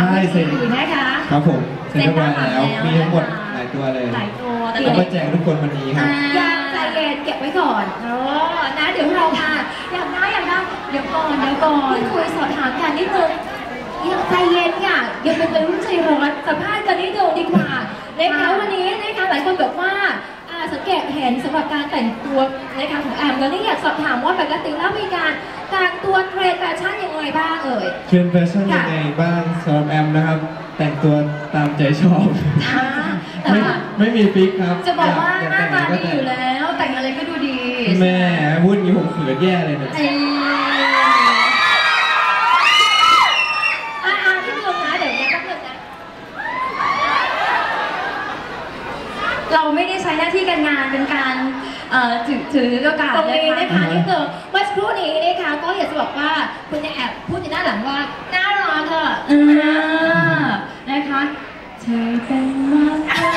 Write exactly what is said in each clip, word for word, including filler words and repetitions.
ใช่เซ็นนะคะครับผมเซ็นเรียบร้อยแล้วมีทั้งหมดหลายตัวเลยหลายตัวเอามาแจกทุกคนวันนี้ครับยังใจเย็นเก็บไว้ก่อนเออนะเดี๋ยวเรามาอยากได้อยากได้เดี๋ยวก่อนเดี๋ยวก่อนคุยสอบถามกันนิดนึงยังใจเย็นค่ะยังเป็นวัยรุ่นใจร้อนสัมภาษณ์กันนิดเดียวดีกว่านะคะวันนี้นะคะหลายคนบอกว่าสังเกตเห็นสำหรับการแต่งตัวนะคะของแอมแล้วนี่อยากสอบถามว่าปกติแล้วมีการแต่งตัวเทรนด์แฟชั่นยังไงบ้างเอ่ยเทรนด์แฟชั่นยังไงบ้างสำหรับแอมนะครับแต่งตัวตามใจชอบไม่ไม่มีฟิกครับจะบอกว่าหน้าตาดีอยู่แล้วแต่งอะไรก็ดูดีแม่วุ่นอย่างนี้ผมเขินแย่เลยนะเราไม่ได้ใช้หน้าที่การงานเป็นการถือถือโอกาสตรงนี้นะคะนี่คือเมื่อสักครู่นี้นะคะก็อยากจะบอกว่าคุณแอบพูดในหน้าหลังว่าน่ารักเถอะนะคะเธอเป็นมาก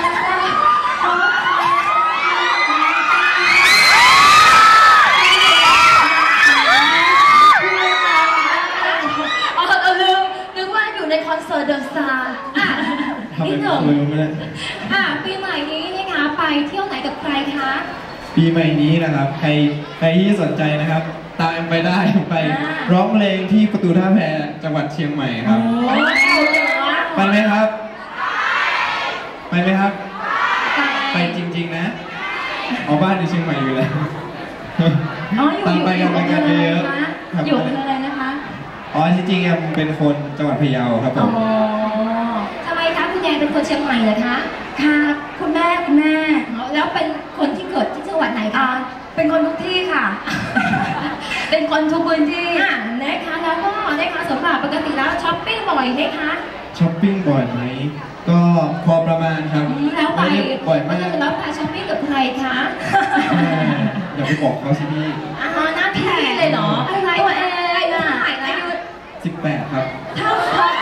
อ๋อเราลืมนึกว่าอยู่ในคอนเสิร์ตเดอะสตาร์นิดหนึ่งอ่ะปีใหม่นี้นะคะไปเที่ยวไหนกับใครคะปีใหม่นี้นะครับใครใครที่สนใจนะครับตามไปได้ไปร้องเพลงที่ประตูท่าแพจังหวัดเชียงใหม่ครับไปไหมครับไปไหมครับไปจริงๆนะเอาบ้านอยู่เชียงใหม่อยู่แล้วตามไปกันไปกันเยอะๆอยู่คืออะไรนะคะอ๋อที่จริงๆเป็นคนจังหวัดพะเยาครับผมทำไมคะคุณยายเป็นคนเชียงใหม่เหรอคะค่ะคุณแม่คุณแม่แล้วเป็นคนที่เกิดที่จังหวัดไหนคะเป็นคนทุกที่ค่ะเป็นคนทุกพื้นที่นะคะแล้วก็นะคะสำหรับปกติแล้วช้อปปิ้งบ่อยไหมคะช้อปปิ้งบ่อยไหมก็พอประมาณครับแล้วไปบ่อยมากแล้วไปช้อปปิ้งกับใครคะอย่าไปบอกเขาสิพี่อ๋อหน้าพี่เลยเหรออะไรตัวเองอ่ะอายุสิบแปดครับเท่า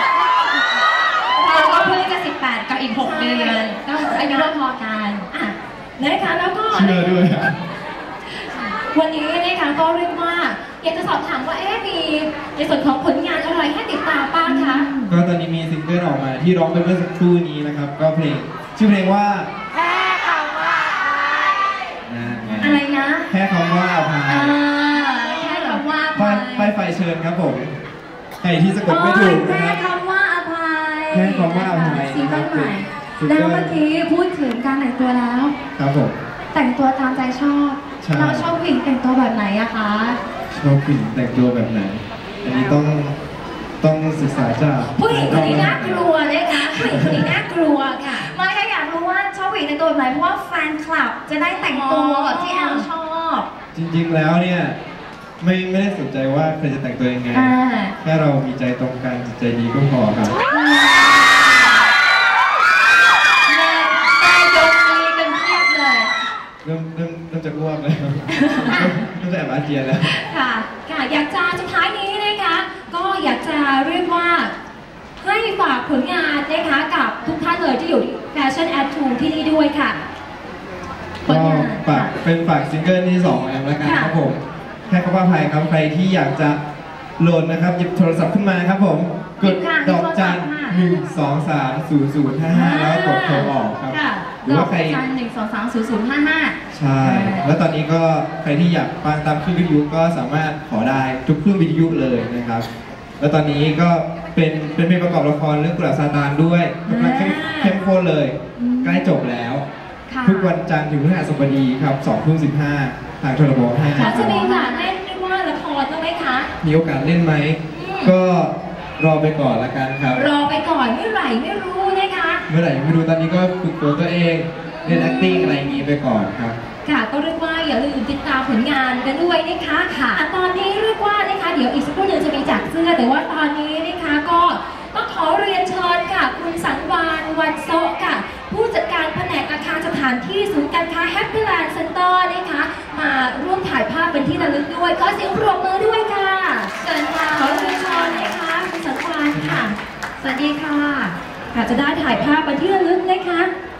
เราก็เพิ่งจะสิบแปดกับอีกหกเดือนก็อายุพอกันอ่ะนะคะแล้วก็เชื่อด้วยวันนี้นะคะก็เรียกว่าอยากจะสอบถามว่าเอ๊ะมีในส่วนของผลงานอะไรให้ติดตามบ้างคะก็ตอนนี้มีซิงเกิลออกมาที่ร้องไปเมื่อสักครู่นี้นะครับก็เพลงชื่อเพลงว่าแค่คำว่าอภัยอะไรนะแค่คำว่าอภัยแค่คำว่าอภัยไปไฟเชิญครับผมใครที่สะกดไม่ถูกนะครับแค่คำว่าอภัยแค่คำว่าอภัยซิงเกิลใหม่แล้วเมื่อกี้พูดถึงการแต่งตัวแล้วครับผมแต่งตัวตามใจชอบเราชอบผู้หญิงแต่งตัวแบบไหนอะคะชอบผู้หญิงแต่งตัวแบบไหนอันนี้ต้องต้องศึกษาจากผู้หญิงคนนี้น่ากลัวเลยค่ะผู้หญิงคนนี้น่ากลัวค่ะไม่ค่ะอยากรู้ว่าชอบผู้หญิงแต่งตัวแบบไหนเพราะว่าแฟนคลับจะได้แต่งตัวแบบที่แอลชอบจริงๆแล้วเนี่ยไม่ไม่ได้สนใจว่าใครจะแต่งตัวยังไงแค่เรามีใจตรงกันจิตใจดีก็พอครับเริ่มเริ่มเริ่มจะอ้วกเลยเริ่มจะแอบอาเจียนแล้วค่ะค่ะอยากจะสุดท้ายนี้นะคะก็อยากจะเรียกว่าให้ฝากผลงานนะคะกับทุกท่านเลยที่อยู่แฟชั่นแอดทูที่นี่ด้วยค่ะก็ฝากเป็นฝากซิงเกิลที่สองแอมแล้วกันครับผมแค่คำว่าภัยครับใครที่อยากจะโหลดนะครับหยิบโทรศัพท์ขึ้นมาครับผมกดดอกจันหนึ่งสองสามศูนย์ศูนย์ห้าห้าแล้วกดโทรออกครับหรือว่าใครหนึ่งสองสามศูนย์ศูนย์ห้าห้าใช่แล้วตอนนี้ก็ใครที่อยากฟังตามคลื่นวิทยุก็สามารถขอได้ทุกคลื่นวิทยุเลยนะครับแล้วตอนนี้ก็เป็นเป็นเพลงประกอบละครเรื่องกุหลาบซาตานด้วยกำลังเข้มข้นเลยใกล้จบแล้วทุกวันจันทร์ถึงพฤหัสบดีครับสองทุ่มสิบห้าทางโทรบห้าจะมีโอกาสเล่นด้วยว่าละครบ้างไหมคะมีโอกาสเล่นไหมก็รอไปก่อนละกันครับรอไปก่อนเมื่อไหร่ไม่รู้นะคะเมื่อไหร่ไม่รู้ตอนนี้ก็ฝึกตัวตัวเองเล่น acting อะไรอย่างนี้ไปก่อนครับค่ะก็เรียกว่าอย่าลืมติดตามผลงานกันด้วยนะคะค่ะตอนนี้เรียกว่านะคะเดี๋ยวอีกสักครู่หนึ่งจะมีจัดเสื้อแต่ว่าตอนนี้นะคะก็ต้องขอเรียนเชิญค่ะคุณสังวานวันโซค่ะผู้จัดการแผนกอาคารสถานที่ศูนย์การค้า Happy Land Center นะคะมาร่วมถ่ายภาพเป็นที่ระลึกด้วยขอเสียงปรบมือด้วยค่ะเชิญค่ะขอเรียนเชิญนะคะคุณสังวานค่ะสวัสดีค่ะอาจจะได้ถ่ายภาพเป็นที่ระลึกนะคะ